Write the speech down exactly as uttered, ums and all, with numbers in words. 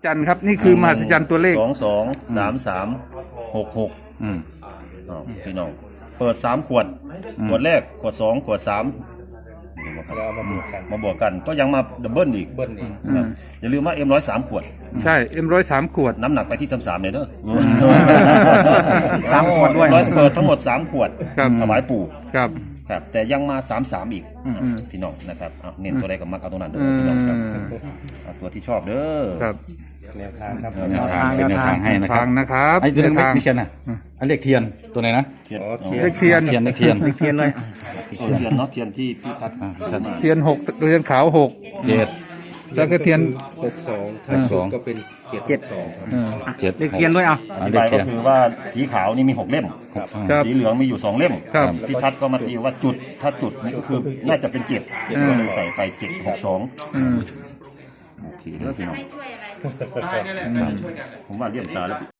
จรรย์ครับนี่คือมหัศจรรย์ตัวเลขสองสองสามสามหกหกพี่น้องเปิดสามขวดขวดแรกขวดสองขวดสามเรามาบวกกันมาบวกกันก็ยังมาดับเบิลอีกเบิ้ลอีกอย่าลืมว่าเอ็มร้อยสามขวดใช่เอ็มร้อยสามขวดน้ำหนักไปที่สามสามเลยเด้อสามขวดด้วยร้อยเปิดทั้งหมดสามขวดครับถวายปู่ครับครับแต่ยังมาสามสามอีกพี่น้องนะครับเอาเน้นตัวใดกับมักเอาตรงนั้นเด้อพี่น้องครับเอาตัวที่ชอบเด้อครับแนวทางครับแนวทางเป็นแนวทางให้นะครัทาบงนะครับไอ้ตัวนี้ทางไม่เทียนนะอันเลขเทียนตัวไหนนะเทียนอ๋อเทีเลขเทียนเทียนเลขเทียนเทียนเลยเทียนเนาะเทียนที่พี่ทัดเทียนหกเทียนขาวหกเจ็ดแล้วก็เทียนหกสองถ้าสุดก็เป็นเจ็ดเจ็ดสองครับเออเจ็ดเลขเทียนด้วยอ่ะออันธิเลขบายเทีก็ยนคือว่าสีขาวนี่มีหกเล่มครับสีเหลืองมีอยู่สองเล่มครับพี่ทัดก็มาตีว่าจุดถ้าจุดนี่ก็คือน่าจะเป็นเจ็ดก็เลยใส่ไปเจ็ดหกสองอืมโอเคเด้อพี่น้องผมว่าเลี่ยมตาแล้ว